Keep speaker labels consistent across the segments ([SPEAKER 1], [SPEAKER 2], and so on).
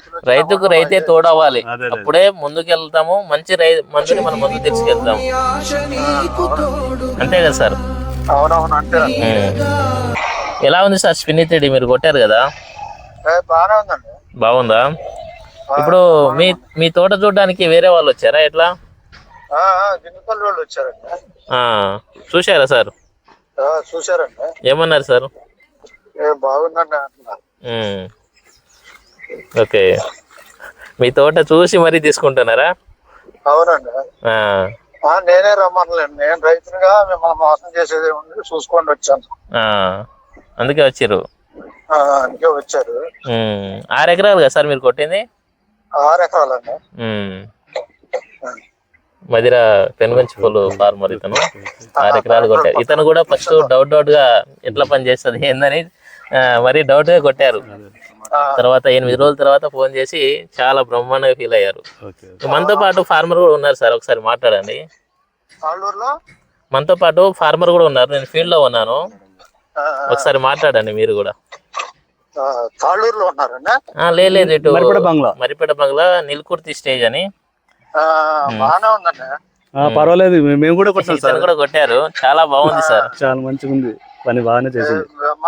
[SPEAKER 1] రైతుకు రైతే తోడవ్వాలి, అప్పుడే ముందుకెళ్తాము. మంచి మందుని మనం ముందు తీసుకెళ్తాము. అంతే కదా సార్?
[SPEAKER 2] అవునవును అంతే.
[SPEAKER 1] ఎలా ఉంది సార్ స్పిన్ని 3D మీరు కొట్టారు కదా?
[SPEAKER 2] బాగానే ఉందండి.
[SPEAKER 1] బాగుందా? ఇప్పుడు మీ తోట చూడడానికి వేరే వాళ్ళు వచ్చారా ఎట్లా?
[SPEAKER 2] గిన్నెపల్లి వాళ్ళు వచ్చారండి.
[SPEAKER 1] చూశారా సార్?
[SPEAKER 2] చూశారండి.
[SPEAKER 1] ఏమన్నారు సార్?
[SPEAKER 2] బాగుందండి అంటున్నారు.
[SPEAKER 1] ఓకే, మీ తోట చూసి మరీ తీసుకుంటున్నారా?
[SPEAKER 2] అవునండి. నేనే రమ్మనలేండి, నేను రైతునిగా మిమ్మల్ని మోసం చేసేది ఉంది చూసుకోండి వచ్చాను.
[SPEAKER 1] అందుకే వచ్చారు.
[SPEAKER 2] అందుకే వచ్చారు.
[SPEAKER 1] 6 ఎకరాలు కదా సార్ మీరు కొట్టింది?
[SPEAKER 2] 6 ఎకరాలండి.
[SPEAKER 1] మధిర పెనుగంచిపల్లి ఫార్మర్ ఇతను 6 ఎకరాలు కొట్టారు. ఇతను కూడా ఫస్ట్ డౌట్ గా ఎట్లా పని చేస్తుంది ఏందని మరి డౌట్ గా కొట్టారు. తర్వాత 8 రోజుల తర్వాత ఫోన్ చేసి చాలా బ్రహ్మాండంగా ఫీల్ అయ్యారు. మనతో పాటు ఫార్మర్ కూడా ఉన్నారు సార్, ఒకసారి మాట్లాడండి. మనతో పాటు ఫార్మర్ కూడా ఉన్నారు, నేను ఫీల్డ్ లో ఉన్నాను, ఒకసారి మాట్లాడండి మీరు కూడా. లేదు, ఇటు మరిపేట బంగ్లా నిల్కుర్తి స్టేజ్ అని.
[SPEAKER 3] పర్వాలేదు, మేము కూడా
[SPEAKER 1] కొట్టారు. చాలా బాగుంది సార్,
[SPEAKER 3] చాలా మంచిగా ఉంది, పని బాగానే చేసింది.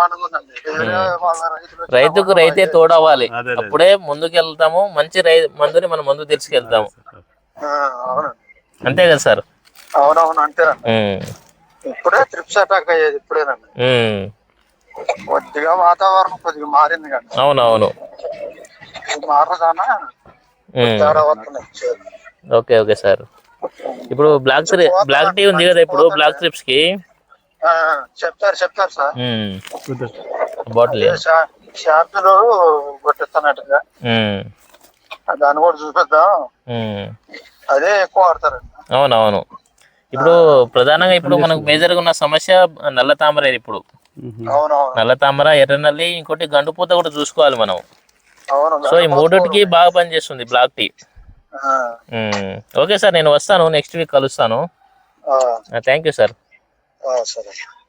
[SPEAKER 1] రైతుకు రైతే తోడవ్వాలి, అప్పుడే ముందుకెళ్తాము. మంచి మందుని మనం ముందు తీసుకెళ్తాము. అంతే కదా సార్?
[SPEAKER 2] అవునవును అంతే. ఇప్పుడే ట్రిప్స్ అటాక్ అయ్యేది ఇప్పుడేనండి. కొద్దిగా వాతావరణం కొద్దిగా మారింది కానీ.
[SPEAKER 1] అవునవును.
[SPEAKER 2] మారదానా
[SPEAKER 1] ఓకే ఓకే సార్. ఇప్పుడు బ్లాక్ టీ ఉంది కదా, ఇప్పుడు బ్లాక్ ట్రిప్స్ కి
[SPEAKER 2] చెప్తారు సార్.
[SPEAKER 1] బాటిల్
[SPEAKER 2] షార్పులు కొట్టిస్తున్నట్టుగా దాన్ని కూడా చూపిద్దాం. అదే ఎక్కువ వాడతారండి.
[SPEAKER 1] అవునవును. ఇప్పుడు ప్రధానంగా ఇప్పుడు మనకు మేజర్ గా ఉన్న సమస్య నల్ల తామర. ఇప్పుడు నల్ల తామర, ఎర్రనల్లి, ఇంకోటి గండుపూత కూడా చూసుకోవాలి మనం. సో ఈ మూడింటికి బాగా పనిచేస్తుంది బ్లాక్ టీ. ఓకే సార్, నేను వస్తాను, నెక్స్ట్ వీక్ కలుస్తాను. Thank you sir.
[SPEAKER 2] సరే.